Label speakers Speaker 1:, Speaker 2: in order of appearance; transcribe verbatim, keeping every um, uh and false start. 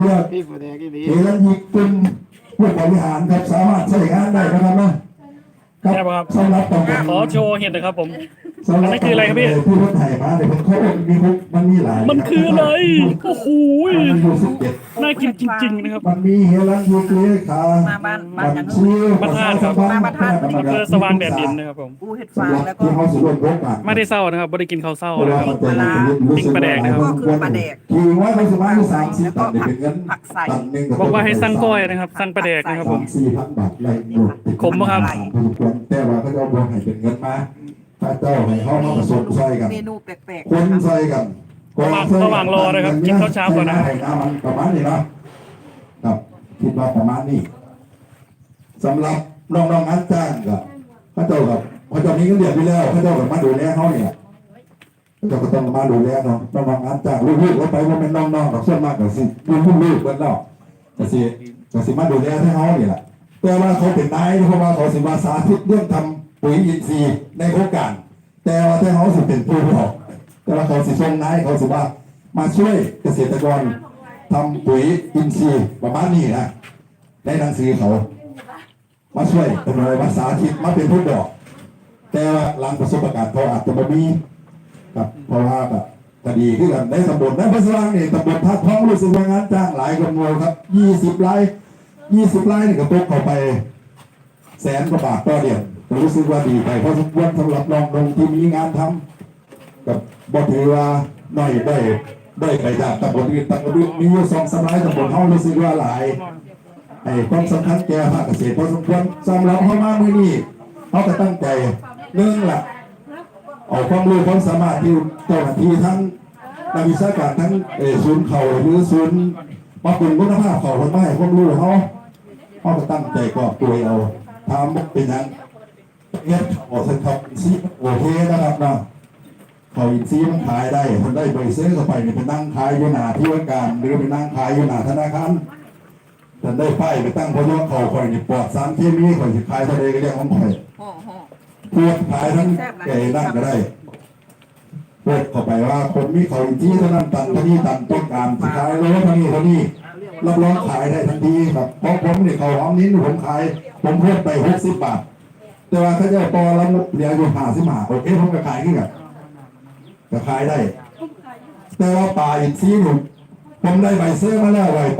Speaker 1: เพื่อ
Speaker 2: พี่ผู้แดงที่ดี
Speaker 1: เทนยิกเป็นผู้บริหารครับสามารถใช้งานได้นะครับนะค
Speaker 3: ใช่
Speaker 1: รับ
Speaker 3: ป่ะครับ
Speaker 1: สำหรับตำบล
Speaker 3: ขอโชว์เห็ดหนะครับผม
Speaker 1: สำห
Speaker 3: อั
Speaker 1: รั
Speaker 3: น
Speaker 1: บ
Speaker 3: นั้นคืออะไรครับพี่
Speaker 1: ผู้รถไถมาเนี่ยเขามีมุกมันมีหลาย
Speaker 3: มันคืออะไรโอ้โห
Speaker 1: มันอยู่สิบเจ็ด
Speaker 3: น่ากินจริงๆนะครับ
Speaker 1: มันมีเฮลันยูเกลียขา
Speaker 4: มาบ้านบ้านอย่างนู้น
Speaker 1: ชื่อ
Speaker 3: บ้านธาตุครับ
Speaker 4: มาบ้านธาตุ
Speaker 3: อำเภอสว่างแดนดินนะครับผม
Speaker 4: อูเห็ดฟางแล้วก็
Speaker 1: ที่เขาสุรนรบอ่ะ
Speaker 3: ไม่ได้เศร้านะครับไม่ได้กินข้าวเศร้า
Speaker 1: เพราะ
Speaker 3: นะ
Speaker 1: ว่า
Speaker 3: ครับ
Speaker 1: มันจะรู้สึกว่า
Speaker 4: ก็คือปลาแดก
Speaker 1: ขี่ไว้ไม่สบายสามสิบตันเนี่ยเป็นเงิน
Speaker 4: ผักใส่
Speaker 1: ตันหนึ่ง
Speaker 3: บอกว่าให้สั่งก้อยนะครับสั่งปลาแดกนะครับผม
Speaker 1: สามสี่พันบาทไรหมดติด
Speaker 3: ขมปะครับ
Speaker 1: พอสมควรแต่ว่าเขาจะเอาบวกให้เป็นเงินมาถ้าเจ้าให้เขามาผสมใส่กัน
Speaker 4: เมนูแปลก
Speaker 1: คนใส่กัน
Speaker 3: ระหว่างระหว่างรอนะครับกินข้าวเช้าก่อนนะ
Speaker 1: ใส่น้ำมันประมาณนี้เนาะครับคิดว่าประมาณนี้สำหรับน้องๆงานจ้างกับพระเจ้ากับพระเจ้านี้ก็เรียนไปแล้วพระเจ้ากับมาดูแลเขาเนี่ยพระเจ้าก็ต้องมาดูแลเนาะน้องๆงานจ้างลูกๆแล้วไปว่าเป็นน้องๆกับส่วนมากกับสิลูกๆลูกๆเบิ้ลแล้วแต่สิแต่สิมาดูแลให้เขาเนี่ยแหละแต่ว่าเขาเป็นนายเพราะว่าเขาสิมาสาธิตเรื่องทำปุ๋ยอินทรีย์ในโครงการ แต่ว่าถ้าเขาสิเป็นผู้บอกแต่ว่าเขาสิส่งนายเขาสิว่ามาช่วยเกษตรกรทำปุ๋ยอินทรีย์ประมาณนี้นะในหนังสือเขามาช่วยเป็นอะไรมาสาธิตมาเป็นผู้บอกแต่ว่าหลังประสบการณ์เขาอาจจะไม่มีครับเพราะว่าแบบคดีที่กันในตำบลในพระสว่างนี่ตำบลท่าท้องรู้สึกว่างานจ้างหลายคนมวยครับยี่สิบไร่ยี่สิบไร่นี่ก็ตกเข้าไปแสนกว่าบาทต่อเดือนรู้สึกว่าดีไปเพราะสมควรสำหรับน้องลงที่มีงานทำกับบอกถือว่าน้อยได้ได้ไปจากตำบลอื่นตำบลอื่นมีอยู่สองสมัยตำบลเขารู้สึกว่าหลายไอ้ความสำคัญแก่ภาคเกษตรพอสมควรสำหรับเขามาเมื่อนี้เขาก็ตั้งใจเนื่องหลักเอาความรู้ความสามารถที่เจ้าหน้าที่ทั้งนักวิชาการทั้งเออศูนย์เขาหรือศูนย์มาเป็นคุณภาพเขาคนไม่ให้ความรู้เขาเขาก็ตั้งใจกอบตัวเอาทำเป็นอย่างเนี่ยออกสังคมซีโอเคนะครับเนาะเขาอินซีมันขายได้คนได้ใบเซื้อเข้าไปเนี่ยเป็นนั่งขายอยู่หน้าที่ว่าการหรือเป็นนั่งขายอยู่หน้าธนาคารท่านได้ป้ายไปตั้งพยอเขาคอยนี่ปลอดสารเคมีคอยสิขายทะเลก็เรียกของคอย
Speaker 4: ๆห่อห่อ
Speaker 1: พวกขายทั้งไก่นั่งก็ได้พวกเข้าไปว่าคนมีเขาอินซีเท่านั้นตันเท่านี้ตันต้องการสิขายโลเท่านี้เท่านี้รับรองขายได้ทันทีครับเพราะผมเนี่ยเขาหอมนิ้นผมขายผมเพิ่มไปหกสิบบาทแต่ว่าถ้าจะปอแล้วเหลืออยู่ห้าสิบห้าโอเคผมก็ขายขึ้นกับก็ขายได้ แต่ว่าป่าอินทรีย์หนุ่มผมได้ใบเสื้อมาแล้วไว้